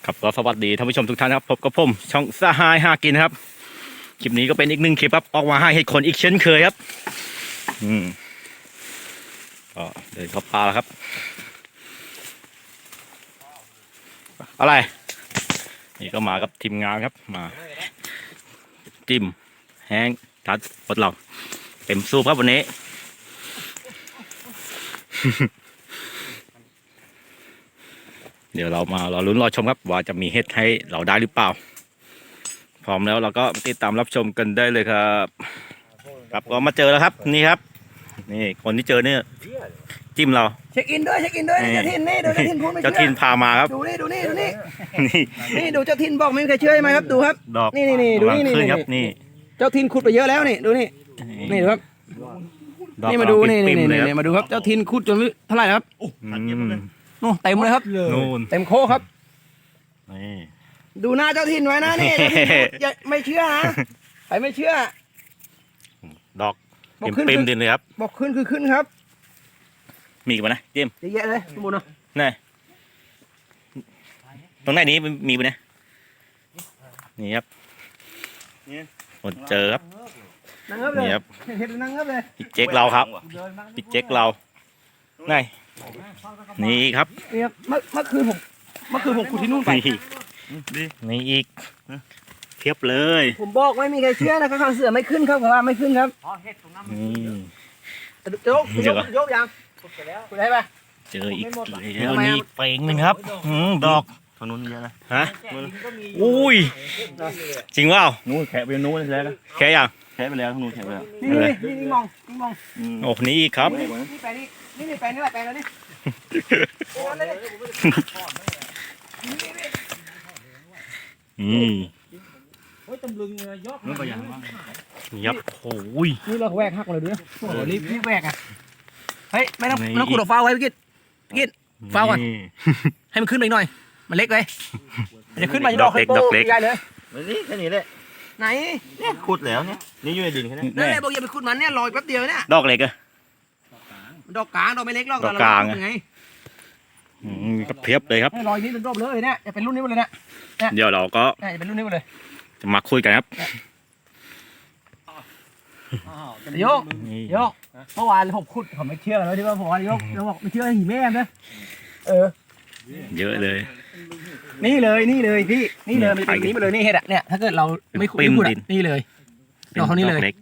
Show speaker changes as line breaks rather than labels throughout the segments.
ครับก็สวัสดีท่านผู้ชมทุกท่านครับพบกับผมช่องสหายหากินครับคลิปนี้ก็เป็นอีกหนึ่งคลิปครับออกมาให้เหตุผลอีกเช่นเคยครับก็เดินเข้าป่าแล้วครับอะไรนี่ก็มากับทีมงานครับมาจิ้มแห้งทัดปลดหลอกเต็มสูบครับวันนี้ เดี๋ยวเรามารอลุ้นรอชมครับว่าจะมีเห็ดให้เราได้หรือเปล่าพร้อมแล้วเราก็ติดตามรับชมกันได้เลยครับครับก็มาเจอแล้วครับนี่ครับนี่คนที่เจอเนี่ยจิ้มเรา
เช็คอินด้วยเจ้าทินนี่ดูเจ้าทินพูดไม่เชื่อ
เจ้าทินพามาครับ
ดูนี่
นี่
นี่ดูเจ้าทินบอกไม่มีใครเชื่อใช่ไหมครับดูครับ
ดอก
นี่ดู
กำลัง
นี่
ขึ้นครับนี่
เจ้าทินขุดไปเยอะแล้วนี่ดูนี่ดูครับ
ดอก
นี่มาดูนี่
ปิ่มๆเลยครับ
มาดูครับเจ้าทินขุดจนเท่าไหร่ครับ นู่นเต็มเลยครับ
นู่น
เต็มโคครับ
นี่
ดูหน้าเจ้าทินไว้นะนี่เจ้าทินอย่าไม่เชื่อนะใครไม่เชื่อ
ดอก
บอกขึ้น
ปิ่มๆดินเลยครับ
บอกขึ้นคือขึ้นครับ
มีกันนะจิ้ม
เยอะแยะเลยสมบูรณ์เนาะ
นี่ตรงไหนนี้มีไปนะนี่ครับหมดเจอครับ
นั่งครับเลย
นี่ครับ
เห็นนั่งครับเลย
พี่เจ๊กเราครับพี่เจ๊กเราไงนี่ครับ
นี่ครับเมื่อคืนผมขุดที่นู่นไป
นี่อีกเทียบเลย
ผมบอกไม่มีใครเชื่อนะครับข้างเสือไม่ขึ้นครับผมว่าไม่ขึ้นครับ
นี่
ยกยังขุดได้ปะ
เจออีกแล้วนี่อีกเป่งหนึ่งครับดอก
ทางนู้นเยอะนะ
ฮะอุ้ยจริงเปล่า
นู้นแขะไปนู้นแล้วนะ
แค่ยัง
แขะไปแล้วทางนู้นแขะไปแล้ว
นี่มอง
โอ้นี่อีกครับ
นี่แปลงนี่แปลงนี่แหละแปลงแล้วนี่
นู้นไปอย่างว่า
ยับโอ้ย
นี่เราแหวกหักเลยด้วยโอ้โหรีบแหวกอ่ะเฮ้ยไม่ต้องขุดออกฟ้าไว้พี่กิตฟ้าก่อนให้มันขึ้นไปหน่อยมันเล็กเลยจะขึ้นมาจะดอกเล็กใหญ่เลย
นี่แค่นี้แหละ
ไหน
เนี่ยขุดแล้วเนี่ยนี่อยู่ในดินแค่นี้
นั่นแหละบอกอย่าไปขุดมันเนี่ยลอยแป๊บเดียวเนี่ย
ดอกเล็กอะ
ดอกกลางดอกไม่เล็กหรอก
ดอกกลาง
ไง
ก็เพียบเลยครับ
ลอยนี้เป็นรอบเลยเนี่ยจะเป็นรุ่นนี้หมดเลยเนี่ย
เดี๋ยวเราก็
จะเป็นรุ่นนี้หมดเลย
จะมาคุยกันครับ
โยกเมื่อวานผมขุดผมไม่เชื่อแล้วที่ว่าผมโยกเราบอกไม่เชื่อหิแม่นะ
เยอะเลย
นี่เลยพี่นี่เลยมันเป็นนี้มาเลยนี่เห็ดอ่ะเนี่ยถ้าเกิดเราไม่ขุดนี่เลยดอกเขานี่เลย
ล็ก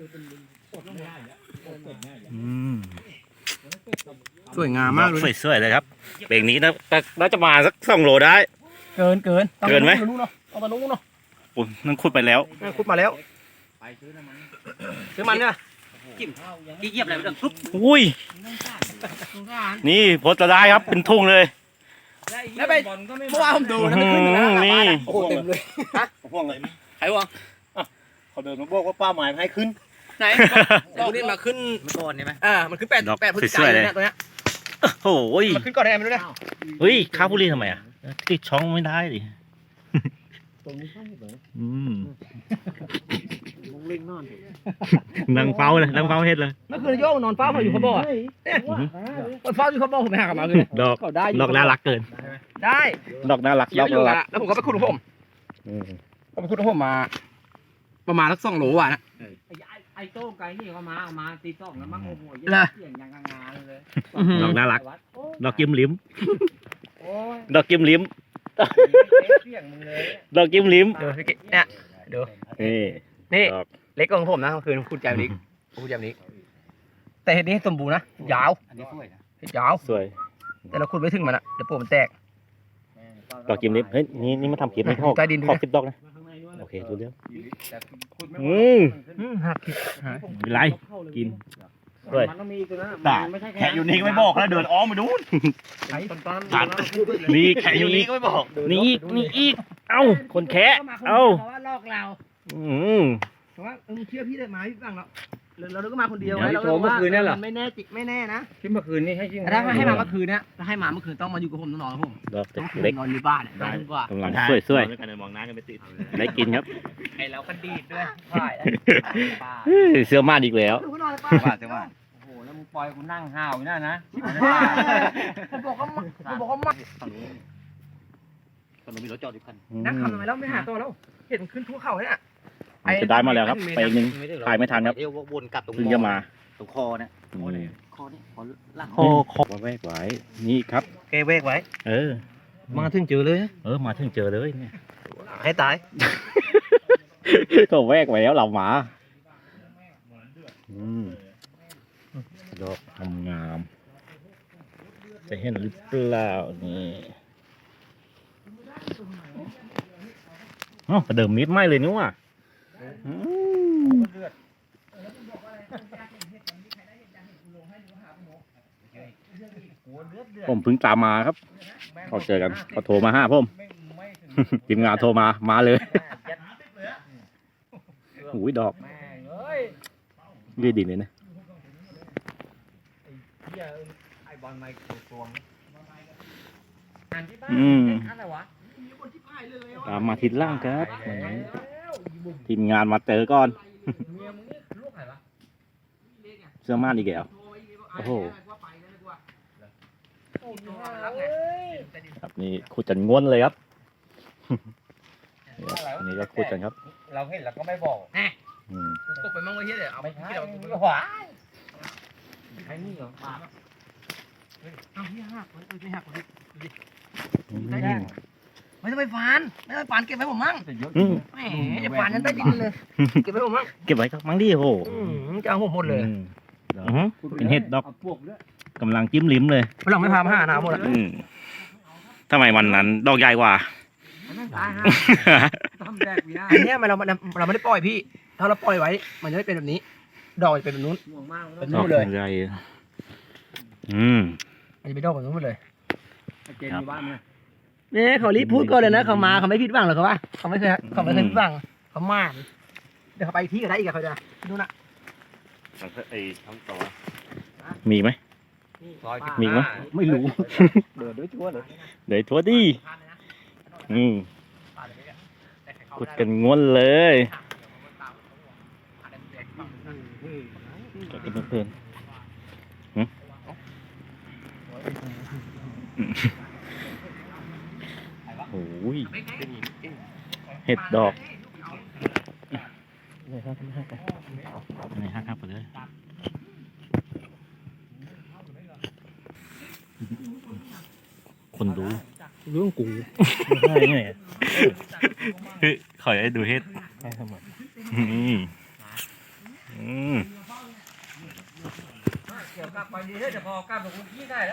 สวยงามมากเลย
สวยๆเลยครับเบรกนี้น่าจะมาสัก2 โลได้
เกิน
เกินไหม
เอาตะนุ้งเนาะ
อุ้ยนั่นขุดไปแล้ว
ขุดมาแล้วซื้อมันเนี่ยจิ้มเหยียบอะไรไปเรื่องปุ๊บ
อุ้ยนี่พดจะได้ครับเป็นทุ่งเลย
แล้วไปเมื่อวานผมดูนะไม่ขึ้นนะ
นี่
โอ้โหเต็มเลยฮะ
ห่วงเลยไหม
ใครวะ
เขาเดินมาบอกว่าป้าหมายให้ขึ้น
ไหนดอกนี้มาขึ้นก่อนใช่ไหมมันขึ้น8 พฤศจิกายนเนี่ยตัวเนี้ย
โอ้ย
มันขึ้นก่อนได้ไหมไม่รู้เนี่ย
เฮ้ยข้าวบุรีทำไมอ่ะติดช่องไม่ได้ดินั่งเฝ้าเลยนั่งเฝ้าเฮ็ดเลย
เมื่อคืนโยกนอนเฝ้าเขาอยู่เขาบอกเนี่ยเฝ้าอยู่เขาบอกผมไปหากลับมาเลย
ดอกน่ารักเกิน
ได้
ดอกน่ารักดอกน่ารัก
แล้วผมก็ไปขุดของผมก็ไปขุดของผมมาประมาณสัก2 โลว่ะนะ
ไอ้โต้งไก่นี่ก็มาเอามาตี2แล้วมั้งโอ้โหเสียงอย่างงาเลย
ดอกน่ารักดอกกิ้มลิ้ม
โอ้ย
ดอกกิ้มลิ้ม
เสียงมึงเลย
ดอกกิ้มลิ้ม
เนี่ยดู
นี่
นี่
ดอก
เล็กกว่าผมนะเมื่อคืนขุดใจนี้ขุดใจนี้แต่เห็ดนี้สมบูรณ์นะยาว
อันนี้สวยนะ
เห็ดยาว
สวย
แต่เราขุดไม่ถึงมันอะเดี๋ยวปูมันแตก
ดอกกิ้มลิ้มเฮ้ยนี่มาทำคลิปไม่ชอบ
ใต้ดินดู
ขอ
นะ
คลิปดอกนะโอเคดูเรื่อง
หักผิด
ไม่เป็นไรกินด้วย
มันต้องมีตัวนั้น
ด่า
ไม่ใช่
แขะอยู่นี่ก็ไม่บอกแล้วเดินอ้อมไปดูน
ไอ้ต้น
ตัดนี่
แขะอยู่นี่ก็ไม่บอก
นี่อีกเอ้าคนแคะเอ้า
ว่าลอกเรา
แต่ว่ามึงเชื่อพี่ได้ไหมพี่ฟังเราก็มาคนเดียว
เดี๋ยวโทรเมื่อคืนเนี่ยเหรอ
ไม่แน่จิไม่แน่นะ
ที่เมื่อคืนนี่ให้จริง
แต่ถ้าให้มาเมื่อคืนเนี่ยถ้าให้มาเมื่อคืนต้องมาอยู่กับผมต้องนอนกับผม
ดอก
ต้อง
เล็ก
นอนอยู่บ้านได้ดีกว่าก
ำลังสวย
ด้วยกันมองหน้ากันไปติด
ๆได้กินครับ
ไอเราก็ดีดด้วยใช่ป้า
เสื้อมาดอีกแล้ว
ดูก็นอนเลยป้า
ว่าแต่ว่า
โอ้โหแล้วมึงปล่อยกูนั่งห้าวอยู่นั่นนะ
ผมบอกว่ามัน
ฝั่งนู้นนมีรถจอดอยู่คัน
นักขับทำไมแล้วไม่หาตัวแล้วเห็นมันขึ้นทั่วเขาเลยอ่ะ
จะได้มาแล้วครับไปอีกหนึ่ง ถ่ายไม่ทันครับ
เดี๋ยววนกลับตรง
เพิ่งจะมา
ตรงคอเนี่ยคอเนี่ยคอล่าง
คอแวกไว้นี่ครับ
แกเวกไว้
เออ
มาถึงเจอเลย
มาถึงเจอเลยเนี่ย
ให้ตาย
ก็แวกไว้แล้วเราหมาดอกงามๆจะเห็นหรือเปล่านี่ประเดิมมิดไม่เลยนี่ว่ะผมเพิ่งตามมาครับเขาเจอกันเขาโทรมาหาผมทีมงานโทรมาเลยหูยดอกดีดีเลยนะตามมาทิศล่างครับทีมงานมาเจอก่อนเสื้อม่านอีกแล้วโอ้โหครับนี่ขุดกันง้วนเลยครับนี่ก็ขุดกันครับ
เราเห็นแล้วก็ไม่บอก
กบไปมั่งไว้เฮียเดี๋ยวเอา
ไม่ใช่
ที่เรา
ขวาไอ้นี่เหรอ
เอาที่หักไม่หักเลยไม่ต้องไปฟานไม่ต้องไปฟานเก็บไว้ผมมั่งแหมจะฟานนั้นใต้ดินเลยเก็บไว้ผมมั่ง
เก็บไว้ครับมั้งดิโอ้โห
จะเอาผมหมดเลย
เป็นเห็ดดอกกำลังจิ้มลิ้มเลย
เราไม่พามาหาน้ำหมดอ่ะ
ทำไมวันนั้นดอกใหญ่กว่า
อันเนี้ยเราไม่ได้ปล่อยพี่ ถ้าเราปล่อยไว้ มันจะไม่เป็นแบบนี้ ดอกจะเป็นแบบนู้นเป็น
ด
นู้
อก
นเลย
ใหญ่
มันจะเป็นดอกแบบนู้นหมดเลย
เจนอยู่บ้านเนี่ย
เนี่ยเขารีบพูดก่อนเลยนะเขามาเขาไม่ผิดหวังหรอกเขาว่าเขาไม่เคยผิดหวังเขามากเดี๋ยวเขาไปที่กันได้อีกอะเขาจะดูนะ
ไอ้ทั้งตัว
มีไหม มีไหม
ไม่รู้เดินด้วยชั่วเลย
เดี๋ยวทัวร์ดิขุดกันง้วนเลยกินเพลินโอ้ยเห็ดดอกนี่ครับไปเลยคนดูเรื่องกูไม่ใช่ไงขอให้ดูเฮ็ด
เกี่ยวกับไปดีเฮ้ยจะพอกลับกับคุณพี่ได้แล้ว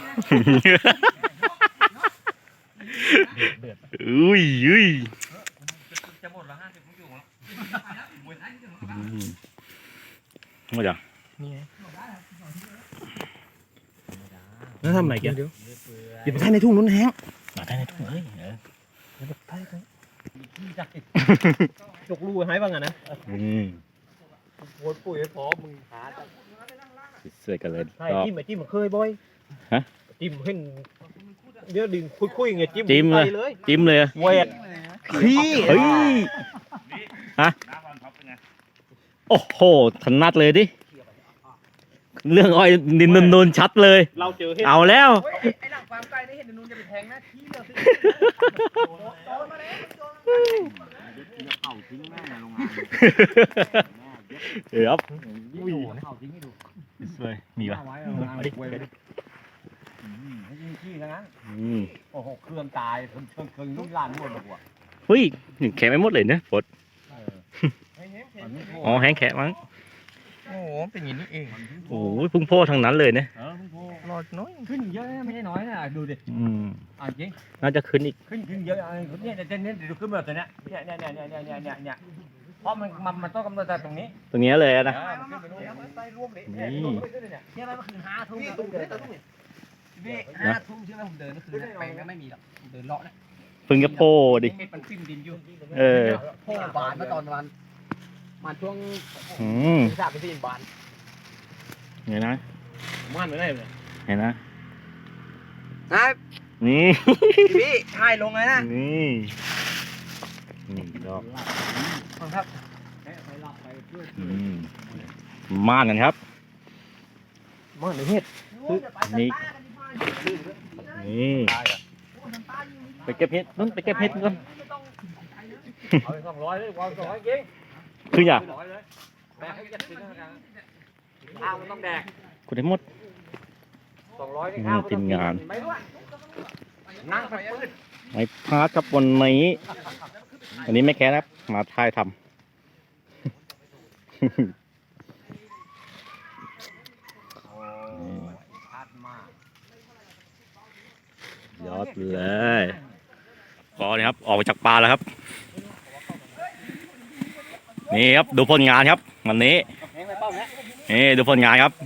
อุ้ย
จะหมดละ50ผมอยู่แล้ว
มาจัง
แล้วทำอะไรกันอย่าไปใช้ในทุ่งนู้นแห้ง
มาได้ในถุงเลย
จกลูให้บ้างอะนะ
โคตรปุ๋ยพร้อมมึงหาเสื้อกันเลย
ใช่จิ้มจิ้มเคยบ่อยจิ้มขึ้นเดี๋ยวดึงคุยไงจิ้ม
จิ้มเลย
เวทขี้
เฮ้ยฮะโอ้โหถนัดเลยดิเรื่องอ้อยนินนูนชัดเลย
เราเจอเห็ด
เอาแล้ว
ไอ้หลังฟาร์มไก่ได้เห็นนูนจะไปแทงหน้าที่เลยโดนมาแล้ว
เผาทิ้งแม่ในโรงงาน
เดี๋ยว
เผาทิ้งให้ดู
สวยมีป่ะ
เอาไว้เอาไว้ให้ยิงขี้นะโอ้โหเครื่องตายเครื่องรุ่นล้านหมดเลยว่ะ
เฮ้ยแข็งไม่หมดเลยเนี่ยปดอ๋อแห้งแข็งมั้ง
โอ้โหเป็นอย่างนี้เอง
โอ้ยพุ่งโพทั้งนั้นเลยเนี่ย
รอน้อย
ขึ้นเยอะไม่ใช่น้อยนะดูดิจริง
น่าจะขึ้นอีก
ขึ้นเยอะเนี่ยเดี๋ยวขึ้นแบบตัวเนี้ยเนี่ยเพราะมันต้องกำหนดจากตรงนี้
ตรงนี้เลยนะ
ขึ้นไปนู่นไปร่วมเลย
นี่
เนี่ยมันคือ5 ทุ่มเดิน5 ทุ่มใช่ไหมผมเดินก็คือไปไม่มีหรอกเดินเลาะนะ
พึ่งจะโพดิ
เห็ดมันขึ้นดินอยู่ โพบานเมื่อตอนวันมาช่วง3-4 บาน
เห็นนะ
มันไม่ได้เลย
เห็นนะ
นะ
นี่
พี่ถ่ายลงเลยนะ
นี่ดอก
ครับ
ม่านกันครับ
มันเห็ด
นี่นี่เก็บเห็ดนุ่นไปเก็บเห็ดกัน
เอาไป200เลยวาง200จริง
คืออย่า
200เลยแบกให้ยัดสินะกันข้าวมันต้องแดก
คุณได้หมด
200นี่ข้าว
ทีมงาน
ไม่รู้นั่งไปปื้ด
ไม่พลาดครับวันนี้วันนี้ไม่แค่นะครับมาถ่ายทำ ยอดเลยก็นี่ครับออกมาจากปลาแล้วครับ นี่ครับดูผลงานครับวันนี้นี่ดูผลงานครับ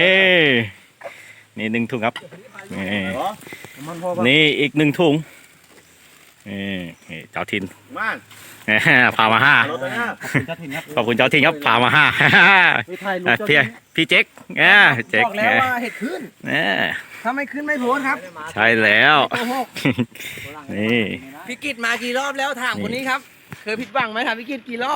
นี่1 ถุงครับนี่อีก1 ถุงนี่เจ้าถิ่น
ม่าน
พามา5
รถนะ
ขอบคุณเจ้าถิ่นครับพามา5
ไม่ถ่ายรูป
พี่เจ๊กเจ๊ก
บอกแล้วว่าเห็ดขึ้น ถ้าไม่ขึ้นไม่โพสครับ
ใช่แล้ว
โกหก
นี่
พี่กิตมากี่รอบแล้วถามคนนี้ครับ เคยผิดหวังไหมถามพี่กิตกี่รอบ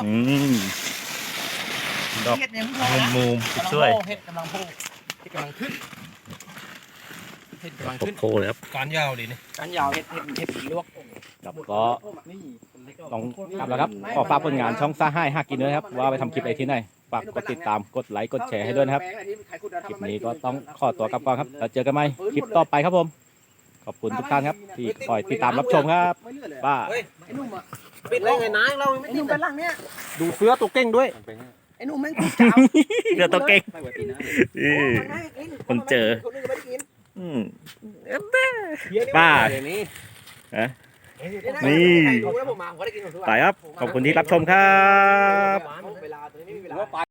ดอก
เห็ดยังพอนะ
มุม
กำลัง
ช่วย
โผล่เห็ดกำลังโผล่เห็ดกำลังขึ้นเห็ดกำลังขึ้น
โค้เลยครับ
การยาวดินี่
การยาวเห็ดลวก
ครับก็ต้องกลับแล้วครับขอฝากผลงานช่องซ่าให้หากินด้วยนะครับว่าไปทำคลิปอะไรที่ไหนฝากกดติดตามกดไลค์กดแชร์ให้ด้วยนะครับคลิปนี้ก็ต้องขอตัวกลับก่อนครับแล้วเจอกันใหม่คลิปต่อไปครับผมขอบคุณทุกท่านครับที่คอยติดตามรับชมครับป้า
ไอ้หนุ่มอ่ะ
ปิดเลยไงนายเราไม่
ไอ้หนุ่มเป็นหลังเนี้ย
ดูเสื้อตัวเก่งด้วย
ไอ้หนุ่มแม่งจ้าว
เรือตัวเก่ง คนเจอ
คนอื่นไม่ได้กิน
ป้า
เดี๋ยวนี้
นี่
ดูแล้วผมมาผมก็ได้กินของทุกวัน
ไปครับขอบคุณที่รับชมครับ
เวลาตอนนี้ไม่มีเวลา